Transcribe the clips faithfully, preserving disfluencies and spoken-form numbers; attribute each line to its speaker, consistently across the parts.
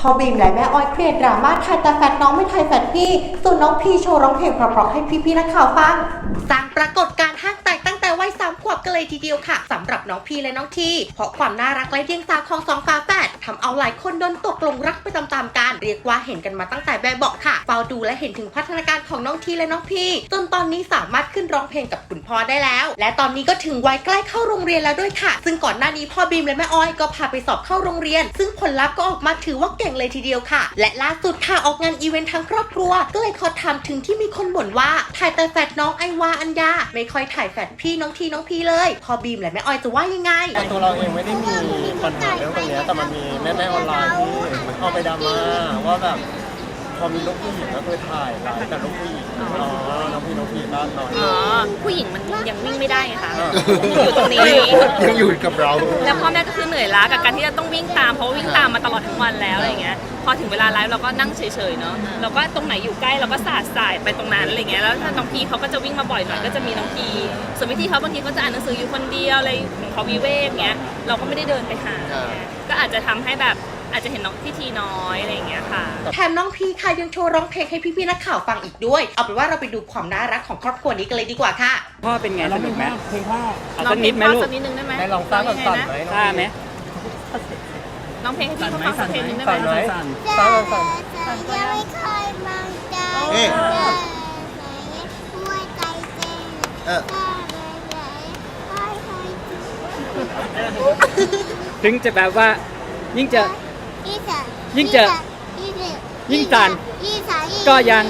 Speaker 1: พอบีมและแม่ออยเครียดดราม่าถ่ายแต่แฟดน้องไม่ถ่ายแฟดพี่ส่วนน้องพี่โชว์ร้องเพลงเพราะๆให้พี่ๆนักข่าวฟังสร้างปรากฏการณ์ห้างแตกตั้งแต่วัยสามขวบกันเลยทีเดียวค่ะสำหรับน้องพี่และน้องทีเพราะความน่ารักและเดียงสาของสองฝาแฝดทำเอาหลายคนโดนตกหลงรักไปตามๆกันเรียกว่าเห็นกันมาตั้งแต่แบบเบาะค่ะเฝ้าดูและเห็นถึงพัฒนาการของน้องทีและน้องพี่จนตอนนี้สามารถขึ้นร้องเพลงกับคุณพ่อได้แล้วและตอนนี้ก็ถึงวัยใกล้เข้าโรงเรียนแล้วด้วยค่ะซึ่งก่อนหน้านี้พ่อบีมและแม่ออยก็พาไปสอบเข้าโรงเรียนซึ่งผลลัพธ์ก็ออกมาถือว่าเก่งเลยทีเดียวค่ะและล่าสุดค่ะออกงานอีเวนต์ทั้งครอบครัวก็เลยขอถามถึงที่มีคนบ่นว่าถ่ายแต่แฝดน้องไอวาอัญญาไม่ค่อยถ่ายแฝดพี่น้องทีน้องพีเลยพอบีมและแม่ออยจะว่ายังไง
Speaker 2: ตัวเราเองไม่ได้มีปัญหาเรื่องตรงนี้แต่มันมีแม่แม่ออนไลน์ที่เข้าไปดราม่าว่าแบบพอมีลูกผู้หญิงก็คือถ่ายไลฟ์แต่ลูกผู้หญิงอ๋อน้องพี่น้องพี่บ้านน้อย
Speaker 3: อ๋อผู้หญิงมันยังวิ่งไม่ได้ไงคะอยู่ตรงนี้
Speaker 4: ยังอยู่กับเรา
Speaker 3: แล้วพ่อแม่ก็คือเหนื่อยล้ากับการที่จะต้องวิ่งตามเพราะวิ่งตามมาตลอดทั้งวันแล้วอะไรเงี้ยพอถึงเวลาไลฟ์เราก็นั่งเฉยๆเนาะเราก็ตรงไหนอยู่ใกล้เราก็สาดสายไปตรงนั้นอะไรเงี้ยแล้วถ้าน้องพีเขาก็จะวิ่งมาบ่อยหน่อยก็จะมีน้องพีส่วนพี่ที่เขาบางทีเขาจะอ่านหนังสืออยู่คนเดียวอะไรของเขาวิเวกเงี้ยเราก็ไม่ได้เดินไปหาก็อาจจะทำให้แบบอาจจะเห็นน้องพี่ทีน้อยอะไรอย่างเงี้ยค่ะ
Speaker 1: แถมน้องพีค่ะยังโชว์ร้องเพลงให้พี่ๆนักข่าวฟังอีกด้วยเอาเป็นว่าเราไปดูความน่ารักของครอบครัวนี้กันเลยดีกว่าค่ะ
Speaker 5: พ่อเป็นไงสนุกไหม
Speaker 2: เพลงพ่อ
Speaker 5: เอาสักนิดไหมลูก
Speaker 3: สักนิดนึงได้ไหม
Speaker 2: ได้ลองสร้างก่อนสั่นไหม
Speaker 5: ท่าไหม
Speaker 3: น้องเพลงให้พี่เขาฟังสักเพลงนึงได้ไหม
Speaker 2: สั่นไหมสั่นสั่นสั่น
Speaker 6: ยังไม่เคยมองใจหัวใจเต้นเออ
Speaker 5: ถึงจะแบบว่ายิ่งจะยิ่งจะยิ่งสั่นก็ยัง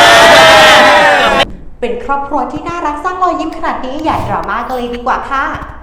Speaker 1: เป็นครอบครัวที่น่ารักสร้างรอยยิ้มขนาดนี้อย่าดราม่ากันเลยดีกว่าค่ะ